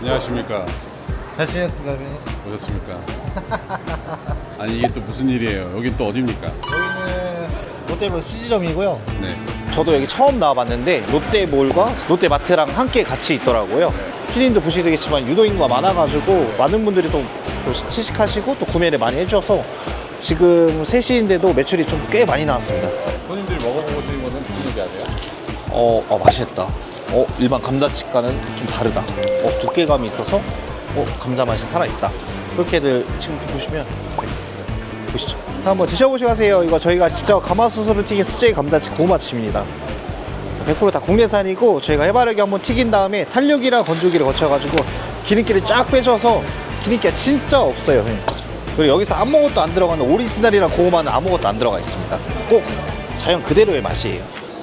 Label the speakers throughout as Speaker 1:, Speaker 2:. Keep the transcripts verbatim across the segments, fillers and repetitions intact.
Speaker 1: 안녕하십니까.
Speaker 2: 잘 지냈습니까, 대표님?
Speaker 1: 오셨습니까? 아니 이게 또 무슨 일이에요? 여긴 또 어딥니까?
Speaker 2: 여기는 롯데몰 수지점이고요.
Speaker 1: 네.
Speaker 2: 저도 여기 처음 나와봤는데 롯데몰과 롯데마트랑 함께 같이 있더라고요. 피디님도 보시겠지만 유동인구가 많아가지고 많은 분들이 또 시식하시고 또 구매를 많이 해주셔서 지금 세 시인데도 매출이 좀 꽤 많이 나왔습니다.
Speaker 1: 손님들이 먹어보시는 거는 무슨 얘기 하세요?
Speaker 2: 어, 어 맛있다. 어, 일반 감자칩과는 좀 다르다. 어, 두께감이 있어서 어, 감자 맛이 살아있다. 그렇게들 지금 보시면 네, 보시죠. 한번 드셔보시고 하세요. 이거 저희가 직접 가마솥으로 튀긴 수제 감자칩 고구마칩입니다. 백 퍼센트 다 국내산이고 저희가 해바라기 한번 튀긴 다음에 탄력이랑 건조기를 거쳐가지고 기름기를 쫙 빼줘서 기름기가 진짜 없어요. 그리고 여기서 아무것도 안 들어가는 오리지널이랑 고구마는 아무것도 안 들어가 있습니다. 꼭 자연 그대로의 맛이에요.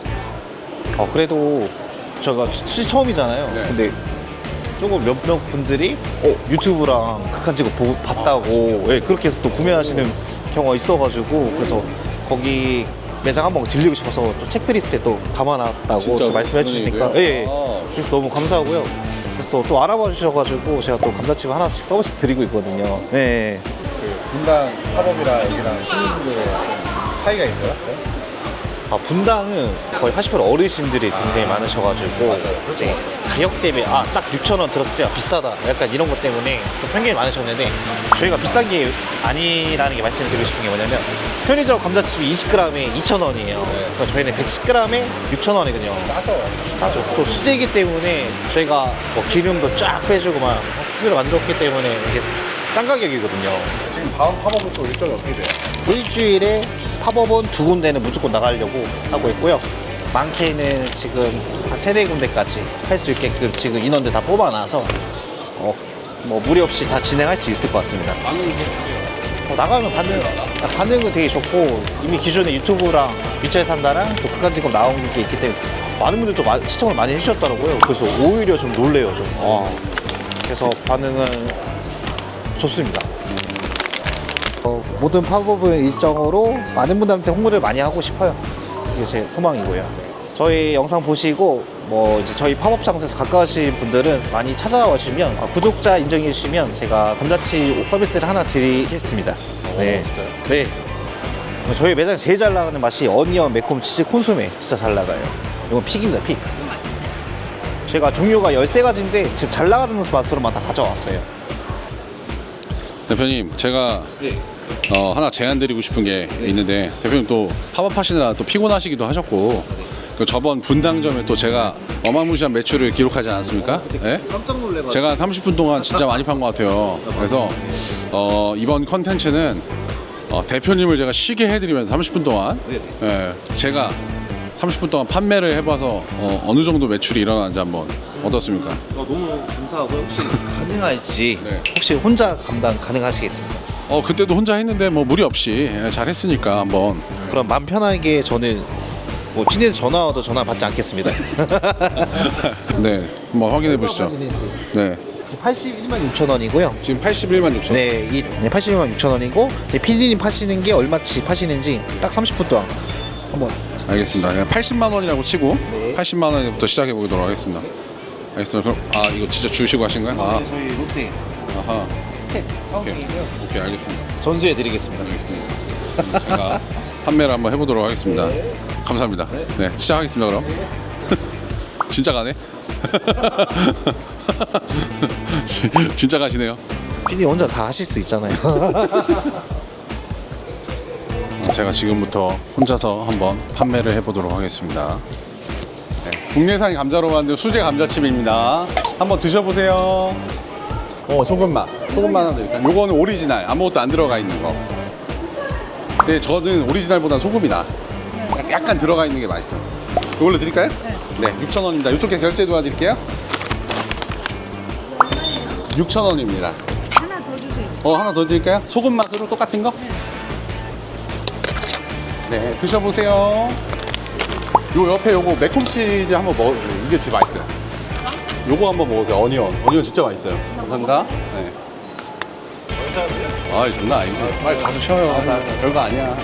Speaker 2: 어, 그래도 제가 수시 처음이잖아요.
Speaker 1: 네.
Speaker 2: 근데 조금 몇몇 분들이 어, 유튜브랑 극한 직업 보고 봤다고 예, 그렇게 해서 또 구매하시는 경우가 있어가지고 그래서 거기 매장 한번 들리고 싶어서 또 체크리스트에 또 담아놨다고
Speaker 1: 진짜로?
Speaker 2: 또 말씀해
Speaker 1: 그런
Speaker 2: 주시니까
Speaker 1: 얘기예요?
Speaker 2: 예, 예.
Speaker 1: 아.
Speaker 2: 그래서 너무 감사하고요. 그래서 또 알아봐 주셔가지고 제가 또 감자칩 하나씩 서비스 드리고 있거든요. 예.
Speaker 1: 그 분당 팝업이랑 여기랑 시민분들의 차이가 있어요? 네?
Speaker 2: 아, 분당은 거의 팔십 퍼센트 어르신들이 굉장히 많으셔가지고
Speaker 1: 맞아요.
Speaker 2: 이제 가격 대비 아 딱 육천 원 들었을 때 비싸다 약간 이런 것 때문에 좀 편견이 많으셨는데 저희가 비싼 게 아니라는 게 말씀을 드리고 싶은 게 뭐냐면 편의점 감자칩이 이십 그램에 이천 원이에요. 그러니까 저희는 백십 그램에 육천 원이거든요.
Speaker 1: 싸죠.
Speaker 2: 맞아. 또 수제이기 때문에 저희가 뭐 기름도 쫙 빼주고 막 수제로 만들었기 때문에 이게 싼 가격이거든요.
Speaker 1: 지금 다음 팝업은 또 일정이 어떻게 돼요?
Speaker 2: 일주일에 팝업은 두 군데는 무조건 나가려고 하고 있고요. 많게는 지금 한 세네 군데까지 할 수 있게끔 지금 인원들 다 뽑아놔서 어, 뭐 무리 없이 다 진행할 수 있을 것 같습니다.
Speaker 1: 반응이
Speaker 2: 어, 나가면 반응, 반응은 되게 좋고 이미 기존에 유튜브랑 위쳐에 산다랑 또 극한직업 나온 게 있기 때문에 많은 분들도 마, 시청을 많이 해주셨더라고요. 그래서 오히려 좀 놀래요. 좀. 어. 그래서 반응은 좋습니다. 어, 모든 팝업은 일정으로 많은 분들한테 홍보를 많이 하고 싶어요. 이게 제 소망이고요. 저희 영상 보시고 뭐 이제 저희 팝업 장소에서 가까우신 분들은 많이 찾아와 주시면 어, 구독자 인정해 주시면 제가 감자칩 서비스를 하나 드리겠습니다. 네.
Speaker 1: 진짜요?
Speaker 2: 네. 저희 매장 제일 잘 나가는 맛이 어니언 매콤 치즈 콘소메 진짜 잘 나가요. 이건 픽입니다, 픽. 제가 종류가 열세 가지인데 지금 잘 나가는 맛으로만 다 가져왔어요.
Speaker 1: 대표님 제가
Speaker 2: 네.
Speaker 1: 어, 하나 제안 드리고 싶은 게 있는데 대표님 또 팝업 하시느라 또 피곤하시기도 하셨고 그 저번 분당점에 또 제가 어마무시한 매출을 기록하지 않았습니까? 예?
Speaker 2: 깜짝 놀래가지고
Speaker 1: 제가 한 삼십 분 동안 진짜 많이 판 것 같아요. 그래서 어, 이번 컨텐츠는 어, 대표님을 제가 쉬게 해드리면서 삼십 분 동안 예, 제가 삼십 분 동안 판매를 해봐서 어, 어느 정도 매출이 일어나는지 한번 어떻습니까?
Speaker 2: 어, 너무 감사하고요. 혹시 가능할지
Speaker 1: 네.
Speaker 2: 혹시 혼자 감당 가능하시겠습니까?
Speaker 1: 어 그때도 혼자 했는데 뭐 무리 없이 예, 잘 했으니까 한번
Speaker 2: 그럼 마음 편하게 저는 뭐 피디님 전화 와도 전화 받지 않겠습니다.
Speaker 1: 네 한번 확인해 보시죠. 네
Speaker 2: 팔십일만 육천 원이고요.
Speaker 1: 지금 팔십일만 육천.
Speaker 2: 네, 이 네, 팔십일만 육천 원이고 피디님 파시는 게 얼마치 파시는지 딱 삼십 분 동안 한번
Speaker 1: 알겠습니다. 그냥 팔십만 원이라고 치고
Speaker 2: 네.
Speaker 1: 팔십만 원부터 시작해 보도록 하겠습니다. 알겠습니다. 그럼 아 이거 진짜 주시고 하신 거예요? 아,
Speaker 2: 저희 롯데
Speaker 1: 아하.
Speaker 2: 스텝 사원증이고요.
Speaker 1: 오케이 알겠습니다.
Speaker 2: 전수해 드리겠습니다.
Speaker 1: 알겠습니다. 그럼 제가 판매를 한번 해보도록 하겠습니다.
Speaker 2: 네.
Speaker 1: 감사합니다. 네 시작하겠습니다. 그럼 진짜 가네. 진짜 가시네요.
Speaker 2: 피디님 혼자 다 하실 수 있잖아요.
Speaker 1: 제가 지금부터 혼자서 한번 판매를 해보도록 하겠습니다. 네, 국내산 감자로 만든 수제 감자칩입니다. 한번 드셔보세요. 어, 소금맛. 소금맛 하나 드릴까요? 요거는 오리지널. 아무것도 안 들어가 있는 거. 근데 저는 오리지널보다 소금이 나. 약간 들어가 있는 게 맛있어. 이걸로 드릴까요? 네. 육천 원입니다. 이쪽에 결제 도와드릴게요. 육천 원입니다.
Speaker 3: 하나 더 주세요.
Speaker 1: 어, 하나 더 드릴까요? 소금 맛으로 똑같은 거? 네, 드셔보세요. 요 옆에 요거 매콤치즈 한번 먹어. 이게 진짜 맛있어요. 요거 한번 먹으세요. 어니언. 어니언 진짜 맛있어요. 감사합니다. 네. 아, 장난 아니죠. 빨리 가서 쉬어요. 별거 아니야.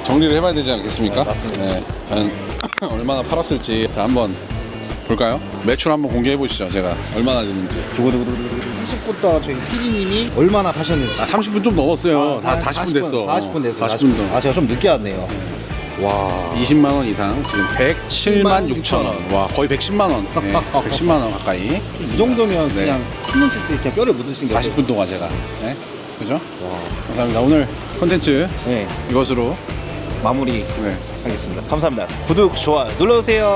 Speaker 1: 정리를 해봐야 되지 않겠습니까?
Speaker 2: 네, 맞습니다.
Speaker 1: 네, 과연 얼마나 팔았을지 자 한번 볼까요? 매출 한번 공개해 보시죠. 제가 얼마나 됐는지.
Speaker 2: 삼십 분 동안 저희 피디님이 얼마나 파셨는지.
Speaker 1: 아, 삼십 분 좀 넘었어요. 다
Speaker 2: 한
Speaker 1: 사십 분 됐어.
Speaker 2: 사십 분 됐어요.
Speaker 1: 사십 분 더.
Speaker 2: 아, 제가 좀 늦게 왔네요. 와.
Speaker 1: 이십만 원 이상 지금 백칠만 육천 원. 와 거의 백십만 원. 네, 백십만 원 가까이.
Speaker 2: 이 정도면
Speaker 1: 네.
Speaker 2: 그냥 손눈치스 이렇게 뼈를 묻으신 게
Speaker 1: 사십 분 동안 제가. 네, 그죠? 감사합니다. 오늘 컨텐츠
Speaker 2: 네.
Speaker 1: 이것으로
Speaker 2: 마무리
Speaker 1: 네.
Speaker 2: 하겠습니다. 감사합니다. 구독, 좋아요 눌러주세요.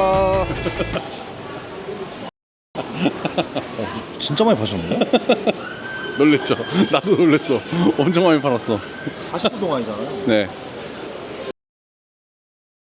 Speaker 2: 어, 진짜 많이 파셨네요?
Speaker 1: 놀랬죠? 나도 놀랬어. 엄청 많이 팔았어.
Speaker 2: 사십 분 동안이잖아요.
Speaker 1: 네.